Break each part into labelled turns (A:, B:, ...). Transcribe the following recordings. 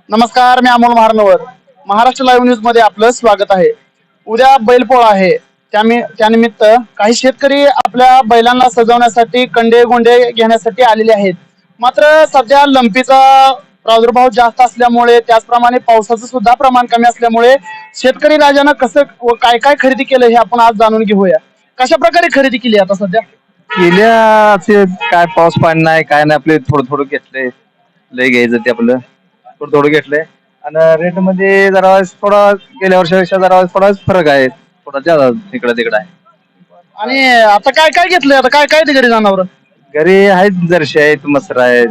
A: नमस्कार, मी Amol Maharnavar. Maharashtra live news मध्ये आपलं स्वागत आहे. उद्या बैलपोळा आहे. त्यानिमित्त काही शेतकरी आपल्या बैलांना सजवण्यासाठी कंडे गोंडे घेण्यासाठी आलेले आहेत. मात्र सध्या लंपीचा प्रादुर्भाव जास्त असल्यामुळे, त्याचप्रमाणे पावसाचं सुद्धा प्रमाण कमी असल्यामुळे शेतकरी राजानं कसं व काय काय खरेदी केलं हे आपण आज जाणून घेऊया. कशा प्रकारे खरेदी केली आता सध्या?
B: गेल्या काय पाऊस पाणी नाही काय नाही, आपले थोडं थोडं घेतलंय. लय घ्यायचं ते आपलं थोडं थोडं घेतलंय. आणि रेट मध्ये जरा थोडा गेल्या वर्षापेक्षा जरा थोडा फरक आहे, थोडा जादा इकडं तिकडं आहे.
A: आणि आता काय काय घेतलंय? आता काय काय ते घरी जनावर?
B: घरी आहेत जर्शी आहेत, मसर आहेत,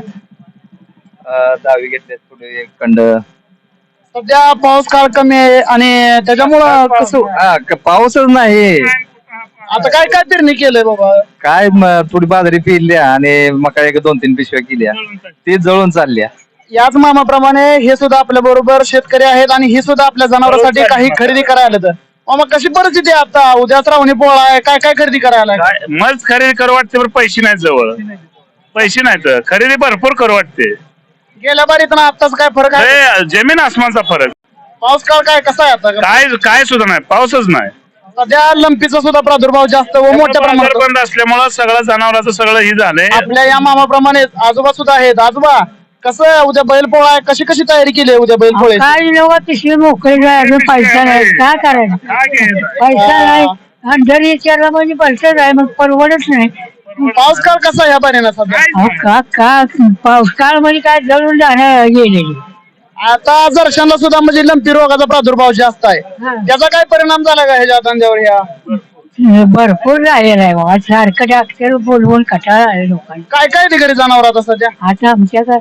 B: दावी घेतलेत, थोडे एक कंड.
A: सध्या पाऊस काळ कमी आहे आणि त्याच्यामुळं कसं
B: पाऊसच नाही.
A: आता काय काय पेरणी केलंय बाबा?
B: काय थोडी बाजरी पिरल्या आणि मका एक 2-3 पिशव्या केल्या, ती जळून चालल्या.
A: याच मामाप्रमाणे हे सुद्धा आपल्या बरोबर शेतकरी आहेत आणि हे सुद्धा आपल्या जनावरांसाठी काही खरेदी करायला आलं. तर मामा कशी परिस्थिती आहे आता? उद्या श्रावणी पोळा आहे, काय काय खरेदी करायला?
C: मज खरेदी करू वाटते पण पैसे नाहीत जवळ. पैसे नाहीत, खरेदी भरपूर करू वाटते.
A: गेल्या बारीत ना आताच काय फरक आहे?
C: हे जमीन आसमानचा फरक.
A: पाऊस काळ काय कसा आहे आता?
C: काय काय सुद्धा नाही, पाऊसच नाही.
A: सध्या लंपीचा सुद्धा प्रादुर्भाव जास्त व मोठ्या
C: बाजार
A: प्रमाणात
C: बंद असल्यामुळे सगळं जनावरांचं सगळं ही झालंय.
A: आपल्या या मामाप्रमाणे आजोबा सुद्धा आहेत. आजोबा, कसं उद्या बैलपोळा आहे, कशी कशी तयारी केली आहे उद्या बैलपोळ्याची?
D: काय लोक पिशवी मोकळी जायचं, पैसा नाही, काय करायचं?
C: काय घ्यायचं?
D: पैसा नाही आणि जर विचारला म्हणजे पैसा नाही, मग परवडच नाही.
A: पाऊस काळ कसा आहे या पाण्यानं सध्या?
D: अहो, का पाऊस काळ म्हणजे काय जळून जाणं गेलेली.
A: आता जरशांना सुद्धा म्हणजे लंपी रोगाचा प्रादुर्भाव जास्त आहे. त्याचा काय परिणाम झाला का ह्याच्या धंद्यावर? या
D: भरपूर झालेला आहे बाबा, सारखं डॉक्टर बोलवून कटाळा आहे लोकांना.
A: काय काय ते घरी जनावर आता सध्या?
D: आता आमच्याकडे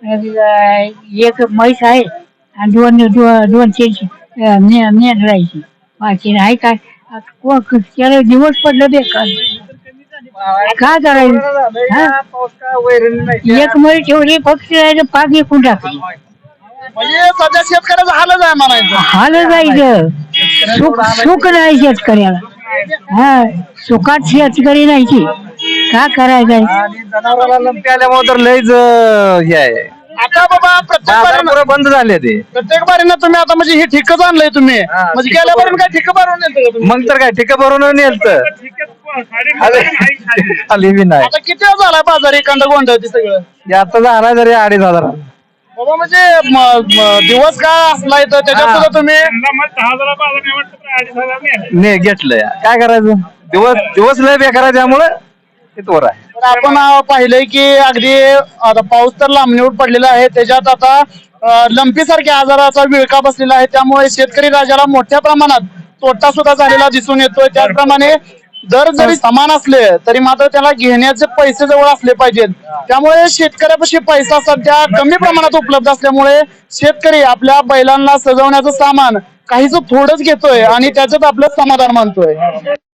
D: एक म्हैस आहे आणि दोन तीन राहायची बाकी नाही. काय त्याला दिवस पडलं बेकार, काय करायचं? एक म्हैस ठेवली फक्त, पाच एकूण टाकली.
A: म्हणजे सध्या शेतकऱ्याचा हालच आहे म्हणायचं.
D: हाल जायचं, सुख नाही शेतकऱ्याला. हा, सुखात शेतकरी नाही की काय करायचं?
B: जनावराला लंपी आल्यामुळे तर लयच हे आहे.
A: आता बाबा
B: बाजार बंद झाले ते.
A: प्रत्येक बारीनं तुम्ही आता म्हणजे हे ठिकच आणलंय तुम्ही, म्हणजे गेल्या बारीनं काय ठिक भरून नेलतं का तुम्ही?
B: मग तर काय ठिका भरून नेलत आली बी नाही.
A: आता किती वेळ झालाय बाजारी कंड गोंड ते सगळं?
B: हे आता झाला तरी 2,500.
A: बाबा म्हणजे दिवस काय असलाय तर त्याच्यात सुद्धा तुम्ही
B: ने घेतलंय, काय करायचं? दिवस लय बेकार आहे, त्यामुळं ते तोर आहे.
A: तर आपण पाहिलंय की अगदी आता पाऊस तर लांबणीवर पडलेला आहे, त्याच्यात आता लंपी सारख्या आजाराचा विळखा बसलेला आहे. त्यामुळे शेतकरी राजाला मोठ्या प्रमाणात तोटा सुद्धा झालेला दिसून येतोय. त्याचप्रमाणे दर जरी समान असले तरी मात्र त्याला घेण्याचे पैसे जवळ असले पाहिजेत. त्यामुळे शेतकऱ्यापाशी पैसा सध्या कमी प्रमाणात उपलब्ध असल्यामुळे शेतकरी आपल्या बैलांना सजवण्याचं सामान काहीच थोडंच घेतोय आणि त्याच्यात आपलं समाधान मानतोय.